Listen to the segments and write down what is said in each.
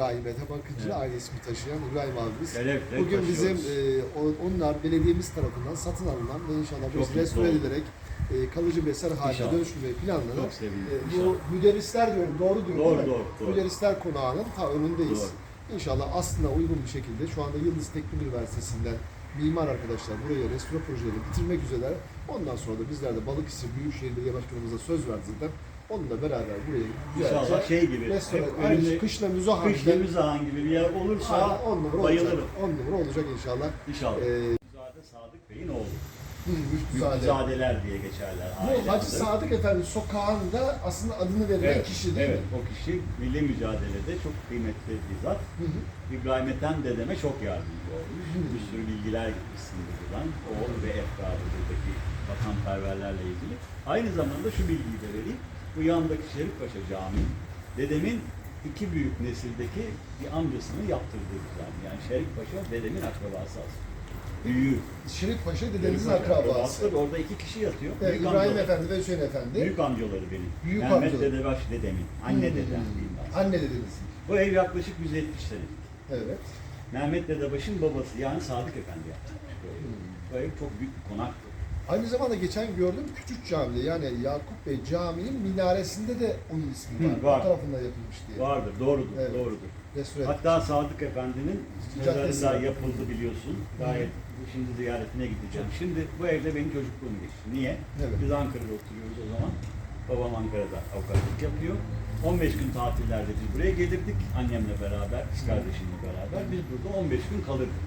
İbrahim Ethem Akıncı, Evet. aile ismi taşıyan İbrahim abimiz. Evet, Bugün bizim taşıyoruz. onlar belediyemiz tarafından satın alınan ve inşallah Çok biz restore mutlu edilerek kalıcı bir eser haline İnşallah. dönüştürmeyi planlanan Çok sevindim. bu İnşallah. müderrisler diyorum, doğru diyorum Doğru, değil mi? doğru. Müderrisler konağının ta önündeyiz. Doğru. İnşallah aslında uygun bir şekilde şu anda Yıldız Teknik Üniversitesi'nden mimar arkadaşlar buraya restore projelerini bitirmek üzere. Ondan sonra da bizler de Balıkesir Büyükşehir Belediye Başkanımıza söz verdiğinden onunla beraber burayı İnşallah şey gibi, restore, hep aynı önünde kışla müzahan kışla müzahan gibi bir yer olursa 10 numara bayılırım. olacak. 10 numara olacak inşallah. İnşallah. Ee, Müzade Sadık Bey'in oğlu. Müftüzade. Müzadeler diye geçerler. Bu aile Hacı adı. Sadık Efendi sokağında aslında adını verilen Evet, kişi değil evet, mi? o kişi milli mücadelede çok kıymetli bir zat. Hı hı. İbrahim dedeme çok yardımcı olmuş. Bir sürü bilgiler gitmişsindir buradan. O ve etrafı buradaki vatanperverlerle ilgili. Aynı zamanda şu bilgiyi de vereyim. Bu yandaki Şerifpaşa Camii, dedemin iki büyük nesildeki bir amcasının yaptırdığı bir cami. Yani Şerifpaşa dedemin akrabası aslında. Büyüğü. Şerif Paşa dedenizin Şerifpaşa akrabası. Orada iki kişi yatıyor. Evet, Büyük İbrahim amcaları. Efendi ve Hüseyin Efendi. Büyük amcaları benim. Büyük Mehmet amcaları. Dedebaş dedemin. Anne dedem diyeyim ben. Anne dedeniz. Bu ev yaklaşık 170 senelik. Evet. Mehmet Dedebaş'ın babası yani Sadık Efendi yaptırmış bu evi. Bu ev çok büyük bir konaktı. Aynı zamanda geçen gördüm Küçük Cami'de yani Yakup Bey Camii'nin minaresinde de onun ismi var. var. O tarafında yapılmış diye. Vardır, doğrudur, Evet. doğrudur. Restore Hatta Sadık Efendi'nin Caddesi mezarı da var. yapıldı biliyorsun. Gayet şimdi ziyaretine gideceğim. Şimdi bu evde benim çocukluğum geçti. Niye? Evet. Biz Ankara'da oturuyoruz o zaman. Babam Ankara'da avukatlık yapıyor. 15 gün tatillerde biz buraya gelirdik. Annemle beraber, kız kardeşimle beraber. Biz burada 15 gün kalırdık.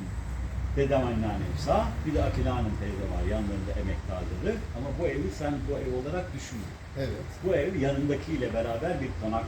Dedem anneannem sağ, bir de Akile Hanım teyze var yanlarında emektarları. Ama bu evi sen bu ev olarak düşünme. Evet. Bu ev yanındakiyle beraber bir konak.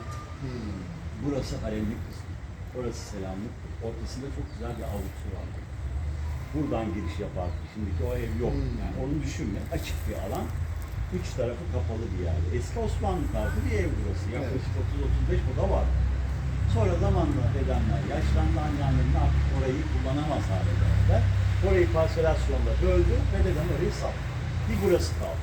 Burası haremlik kısmı. Orası selamlık. Ortasında çok güzel bir avlusu var. Buradan giriş yapardı. Şimdiki o ev yok. Yani onu düşünme. Açık bir alan. Üç tarafı kapalı bir yer. Eski Osmanlı tarzı bir ev burası. Yaklaşık 30-35 oda var. Sonra zamanla dedemler yaşlandı, anneannemle artık orayı kullanamaz hale geldiler. Orayı parselasyonla böldü ve dedem orayı sattı. Bir burası kaldı.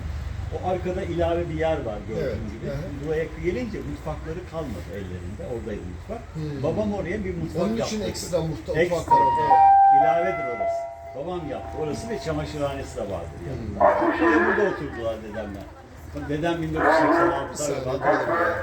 O arkada ilave bir yer var gördüğün Evet, gibi. evet. Buraya gelince mutfakları kalmadı ellerinde. Oradaydı mutfak. Babam oraya bir mutfak Onun yaptı. için ekstra mutfak Ekstra, var. evet. İlavedir orası. Babam yaptı. Orası ve çamaşırhanesi de vardır yanında. Sonra burada oturdular dedemler. Dedem 1986'da Saniye vefat duralım ya.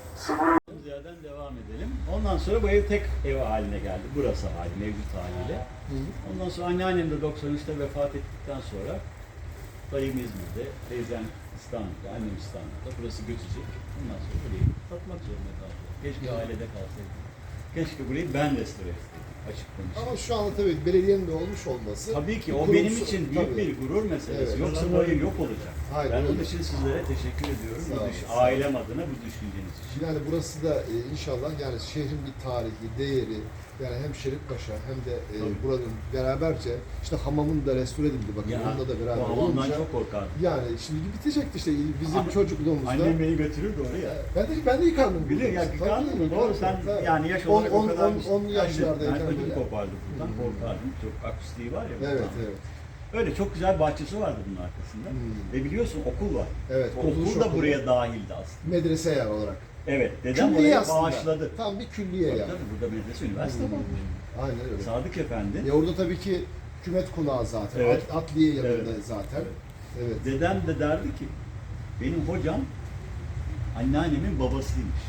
Ziya'dan devam edelim. Ondan sonra bu ev tek ev haline geldi. Burası hali, mevcut haliyle. Ondan sonra anneannem de 93'te vefat ettikten sonra dayım İzmir'de, teyzem İstanbul'da, annem İstanbul'da. Burası göçecek. Ondan sonra burayı satmak zorunda kaldı. Keşke ailede kalsaydım. Keşke burayı ben restore etseydim. Açık konuşayım. Ama şu anda tabii belediyenin de olmuş olması. Tabii ki bir o kurumsal- benim için büyük tabii. bir gurur meselesi. Evet. Yoksa bu ev yok olacak. Aynen Ben onun öyle. için sizlere teşekkür ediyorum. Sağ olun, sağ olun. Ailem adına bu düşünceniz için. Yani burası da inşallah yani şehrin bir tarihi, değeri yani hem Şerifpaşa hem de Tabii. buranın beraberce işte hamamın da restore edildi bakın Ya, onunla da bu beraber hamamdan olunca. çok korkardım. Yani şimdi bitecekti işte bizim Anne- çocukluğumuzda. Annem beni götürürdü oraya. Ben de yıkandım. Bilir ya Tabii, yıkandın mı? yıkandım, Doğru sen tabii. yani yaş olarak o kadar 10 yaşlardayken ben ödüm böyle. kopardım buradan korkardım. Çok akustiği var ya. Evet, buradan. evet. Öyle çok güzel bir bahçesi vardı bunun arkasında. Ve biliyorsun okul var. Evet, Okul kurtuluş da okulu. buraya dahildi aslında. Medrese yer olarak. Evet, dedem Külliye oraya aslında. bağışladı. Tam bir külliye Tabii, yani. tabii, burada medrese, üniversite olmuş. Aynen öyle. Sadık Efendi. Orada tabii ki hükümet konağı zaten. Evet. Adliye yanında Evet. zaten. Evet. Dedem de derdi ki, benim hocam anneannemin babasıymış.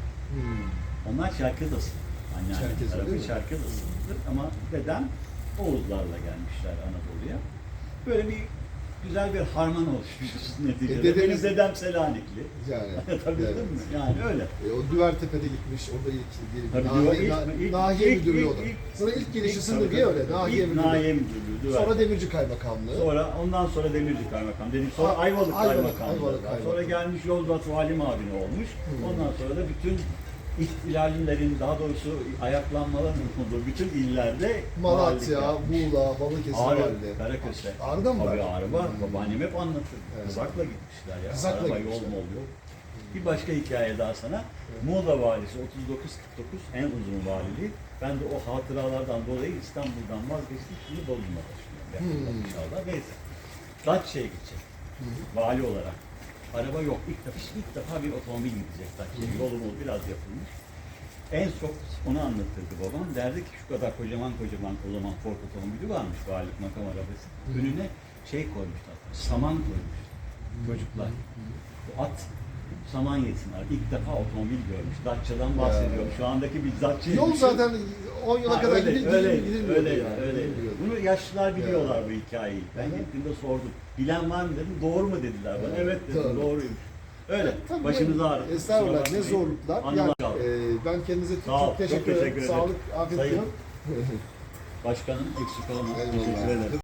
Onlar Çerkez asıllı. Anneannem Çerkez, tarafı değil mi? Çerkez asıllıdır. Ama dedem Oğuzlarla gelmişler Anadolu'ya. Böyle bir güzel bir harman oluşmuş neticede. dedeniz- Benim dedem Selanikli. Yani. Tabii evet. değil mi? Yani öyle. O Düvertepe'de gitmiş, orada ilk Tabii nahiye ilk- müdürlüğü ilk- o da. ilk- Sonra ilk gelişi İlk- Sındırgı'ya tabii, öyle, tabii. nahiye İlk müdürlüğü. Nahiye müdürlüğü. Düver. Sonra Demirci Kaymakamlığı. Ondan sonra Demirci Kaymakam dedim. Sonra Ayvalık Kaymakamlığı. Ayvalık Sonra Kaymakamlığı. gelmiş Yozgat Vali Mavini olmuş. Ondan sonra da bütün ihtilallerin daha doğrusu ayaklanmaların olduğu bütün illerde Malatya, valilik Muğla, Balıkesir Ağrı, valide. Karaköse. Ağrı'da mı Tabii var? Ağrı var. Babaannem hep anlatır. Evet. Kızakla gitmişler ya. Kızakla Araba gitmişler. yol mol yok. Bir başka hikaye daha sana. Muğla valisi 39-49 en uzun valiliği. Ben de o hatıralardan dolayı İstanbul'dan vazgeçtik. Şimdi Bodrum'a taşınıyorum. İnşallah. Neyse. Datça'ya gidecek. Vali olarak. Araba yok. İlk defa bir otomobil gidecek Datça'ya. Yolu biraz yapılmış. En çok onu anlatırdı babam. Derdi ki şu kadar kocaman o zaman Ford otomobili varmış, Galip makam arabası. Önüne şey koymuşlar, saman koymuş çocuklar. Bu at saman yesinler. İlk defa otomobil görmüş. Dacia'dan bahsediyorum. Şu andaki bir Dacia. Yol zaten 10 yıla kadar gidilmiyordu öyle. yani. Bunu yaşlılar biliyorlar Ya. bu hikayeyi. Ben Hı hı. gittiğimde sordum. Bilen var mı dedim. Doğru mu dediler bana. Evet dedim. Doğruymuş. Öyle. Tabii Başımız yani, ağrıdı. estağfurullah, Kusura ne bakmayın. zorluklar. Anılar Yani, kaldı. ben kendinize Sağ ol, çok teşekkür ederim. ederim. Sağlık, afiyet Sayın diliyorum. Başkanım eksik olma. Eyvallah. Teşekkür ederim.